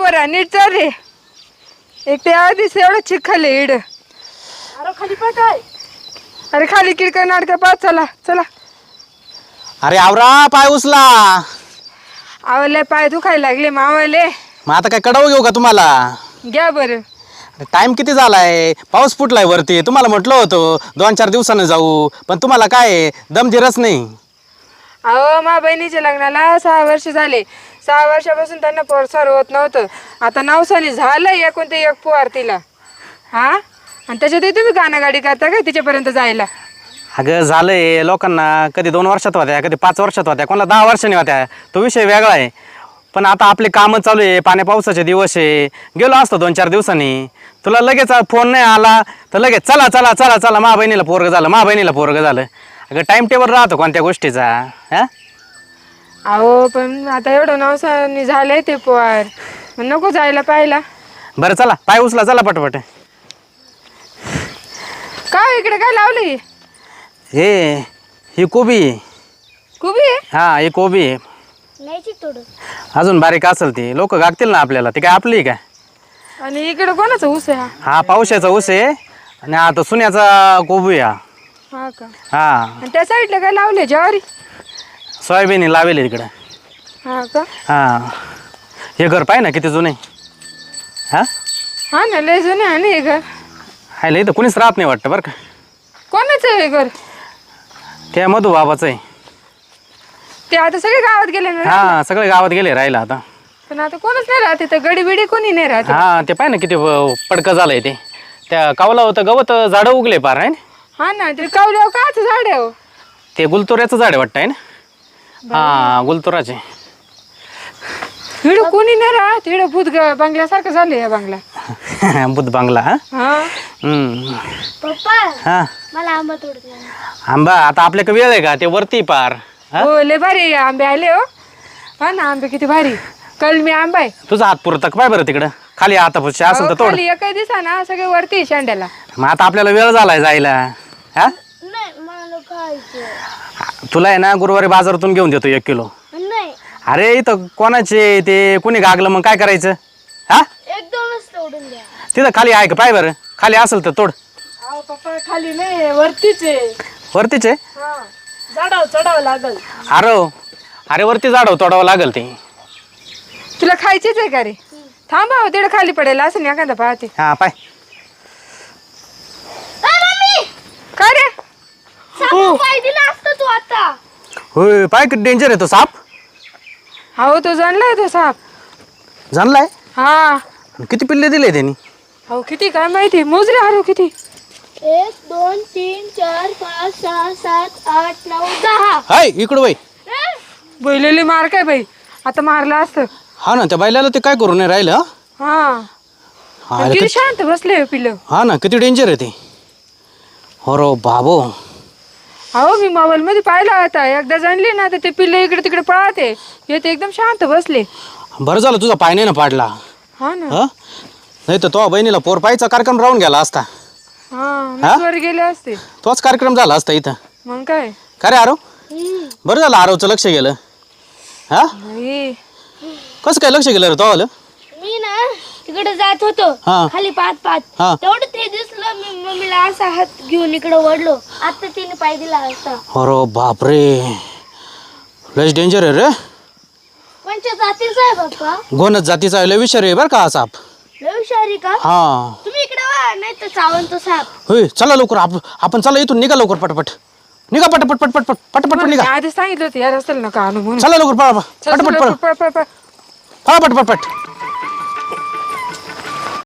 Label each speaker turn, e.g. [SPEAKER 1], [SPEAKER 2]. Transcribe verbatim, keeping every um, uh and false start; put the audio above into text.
[SPEAKER 1] बरं नीट चाल रे. एक ते आधीच एवढं चिखल इड.
[SPEAKER 2] अरे खाली पाय काय.
[SPEAKER 1] अरे खाली किरकर नाटक पाच. चला चला.
[SPEAKER 3] अरे आवरा पाय उचला.
[SPEAKER 1] आवले पाय दुखायला लागले मावले.
[SPEAKER 3] मग आता काय कडव घेऊ का तुम्हाला.
[SPEAKER 1] घ्या बरं.
[SPEAKER 3] टाइम किती झालाय. पाऊस फुटलाय वरती. तुम्हाला म्हटलं होतं दोन चार दिवसानं जाऊ पण तुम्हाला काय दमदिरच नाही.
[SPEAKER 1] अहो मा बहिणीच्या लग्नाला सहा वर्ष झाले. सहा वर्षापासून त्यांना पोरसार होत नव्हतं. आता नवसाने झालं एकूण ते एक पोर तिला. हा आणि त्याच्यातही तुम्ही गाणागाडी करता काय तिच्यापर्यंत जायला.
[SPEAKER 3] अगं झालंय लोकांना कधी दोन वर्षात होत्या कधी पाच वर्षात होत्या कोणाला दहा वर्षांनी होत्या. तो विषय वेगळा आहे. पण आता आपले कामं चालू आहे. पाण्या पावसाचे दिवस आहे. गेलो असतो दोन चार दिवसांनी. तुला लगेच फोन नाही आला तर लगेच चला चला चला चला मा बहिणीला पोरगं झालं मा बहिणीला पोरगं झालं. अगं टाईम टेबल राहतो कोणत्या गोष्टीचा. हा
[SPEAKER 1] अहो पण आता एवढं नवसाने झालंय ते पोर मग नको जायला पाहिला.
[SPEAKER 3] बरं चला पाय उचला चला पटपट.
[SPEAKER 1] काय इकडे काय लावली.
[SPEAKER 3] हे ही कोबी.
[SPEAKER 1] कुबी
[SPEAKER 3] हा ही कोबी आहे.
[SPEAKER 2] नाही थोडं
[SPEAKER 3] अजून बारीक असेल ती लोक गागतील ना आपल्याला. ती काय आपली काय.
[SPEAKER 1] आणि इकडे कोणाचा ऊस आहे हा.
[SPEAKER 3] हा पावसाचा ऊस आहे आणि हा तो सुन्याचा कोबी हा.
[SPEAKER 1] हा का
[SPEAKER 3] हा
[SPEAKER 1] आणि त्या साईडला काय लावले ज्वारी.
[SPEAKER 3] सोयाबीन लावेल इकडं.
[SPEAKER 1] हा का
[SPEAKER 3] हा हे घर पाय ना किती जुने. हा
[SPEAKER 1] हा ना लय जुने आहे ना हे घर.
[SPEAKER 3] हायला इथं कुणीच राहत नाही वाटतं बरं का.
[SPEAKER 1] कोणाचं आहे हे घर.
[SPEAKER 3] त्या मधू बाबाचं आहे.
[SPEAKER 1] ते आता सगळे गावात गेले ना.
[SPEAKER 3] हा सगळे गावात गेले राहिला आता.
[SPEAKER 1] पण आता कोणच नाही राहते तर गडी बिडी कोणी नाही राहते.
[SPEAKER 3] हा ते पाय ना किती पडकं झालंय ते. त्या कावला होतं गवत झाडं उगले पार आहे ना.
[SPEAKER 1] हा ना ते कावल्यावर काच झाड आहे हो.
[SPEAKER 3] ते गुलतोऱ्याचं झाड आहे वाटतं आहे ना. हा गुलतोराचे.
[SPEAKER 1] हिड कोणी नाही राहत. हिड भूत बंगल्यासारखं झालं या बंगला.
[SPEAKER 3] बुध बांगला. हा
[SPEAKER 1] हा
[SPEAKER 3] हम्म.
[SPEAKER 2] पप्पा
[SPEAKER 3] हा
[SPEAKER 2] मला आंबा तोडतो.
[SPEAKER 3] आंबा आता आपल्याकडे वेळ आहे का ते वरती पार. हा
[SPEAKER 1] हो लय भारी आंबे आले हो. हा ना आंबे किती भारी. कलमी आंबा आहे.
[SPEAKER 3] तुझा हात पुरतक पाय बरं तिकडं खाली आता पुढच्या असेल तर
[SPEAKER 1] अहो,
[SPEAKER 3] तोड.
[SPEAKER 1] खाली एकही दिसा ना सगळे वरती शेंड्याला.
[SPEAKER 3] मग आता आपल्याला वेळ झालाय जायला. हा
[SPEAKER 2] नाही मला खायचं.
[SPEAKER 3] तुला आहे ना गुरुवारी बाजारातून घेऊन देतो एक किलो.
[SPEAKER 2] नाही
[SPEAKER 3] अरे इथं कोणाचे ते कुणी गागलं मग काय करायचं. हा
[SPEAKER 2] एक दोनच तोडून द्या.
[SPEAKER 3] तिथं खाली आहे का पाय बरं खाली असेल तर तोड.
[SPEAKER 1] अहो पप्पा खाली नाही वरतीच आहे.
[SPEAKER 3] वरतीच आहे.
[SPEAKER 1] हा झाडावर चढावं लागल.
[SPEAKER 3] अरे अरे वरती झाडव तोडावं लागल ते.
[SPEAKER 1] तुला खायचीच आहे का रे. थांबा हो तिकडे खाली पडेल असं नाही एखादा पाहते.
[SPEAKER 3] हा पाय.
[SPEAKER 1] काय रे.
[SPEAKER 2] पाय दिला असतं तू आता.
[SPEAKER 3] होय पाय किती डेंजर आहे तो साप.
[SPEAKER 1] हो तो जाणलाय तो साप.
[SPEAKER 3] जाणलाय.
[SPEAKER 1] हा
[SPEAKER 3] किती पिल्ले दिले त्यांनी.
[SPEAKER 1] हो किती काय माहिती मोजले हरो किती.
[SPEAKER 2] एक दोन तीन चार पाच सहा सात आठ नऊ दहा.
[SPEAKER 3] हाय इकडं बाई.
[SPEAKER 1] बैलेली मार काय बाई आता मारला असतं.
[SPEAKER 3] हा ना त्या बायलाला ते काय करू नाही राहिलं.
[SPEAKER 1] हा
[SPEAKER 3] हा
[SPEAKER 1] किती शांत बसले पिल्लं.
[SPEAKER 3] हा ना किती डेंजर आहे ते. हो रो बाबो.
[SPEAKER 1] अहो मी मोबाईल मध्ये पाहिला होता एकदा जाणली ना तर ते पिल्लं इकडे तिकडे पळाते. हे ते एकदम शांत बसले.
[SPEAKER 3] बरं झालं तुझा पाय नाही ना पाडला.
[SPEAKER 1] हा ना
[SPEAKER 3] हा नाही तर तो बहिणीला पोर पायचा कार्यक्रम राहून गेला असता.
[SPEAKER 1] हा वर गेले असते.
[SPEAKER 3] तोच कार्यक्रम झाला असता इथं.
[SPEAKER 1] मग काय
[SPEAKER 3] का रे आरव. बरं झालं आरवचं लक्ष गेलं. हा
[SPEAKER 1] बाई.
[SPEAKER 3] कसं काय लक्ष गेलं रे तो आलं.
[SPEAKER 2] मी ना तिकडे जात होतो
[SPEAKER 3] हा.
[SPEAKER 2] खाली पाच पाच
[SPEAKER 3] हा.
[SPEAKER 2] तेवढं ते दिसलं मी मम्मीला असा हात घेऊन इकडे वळलो. आता तिने पाय दिला असता.
[SPEAKER 3] अरे बापरे लयच डेंजर आहे रे.
[SPEAKER 2] कोणत्या जातीचा आहे बाप्पा.
[SPEAKER 3] गोनच जातीचा लय विषारी आहे बरं का हा साप.
[SPEAKER 2] लय हुशारी का.
[SPEAKER 3] हा
[SPEAKER 2] तुम्ही इकडे वा नाही तर चावून तो साप.
[SPEAKER 3] होय चला लवकर आप आपण चला इथून निघा लवकर पटपट. निघा पटपट पटपट पट पटपट निघा.
[SPEAKER 1] आधी सांगितलं होतं या रस्त्याला नका आणू म्हणून.
[SPEAKER 3] चला लवकर पळा
[SPEAKER 1] चल,
[SPEAKER 3] पटपट
[SPEAKER 1] चल,
[SPEAKER 3] पळा
[SPEAKER 1] पळ, पळ, पळ.
[SPEAKER 3] पळा पटपट पट.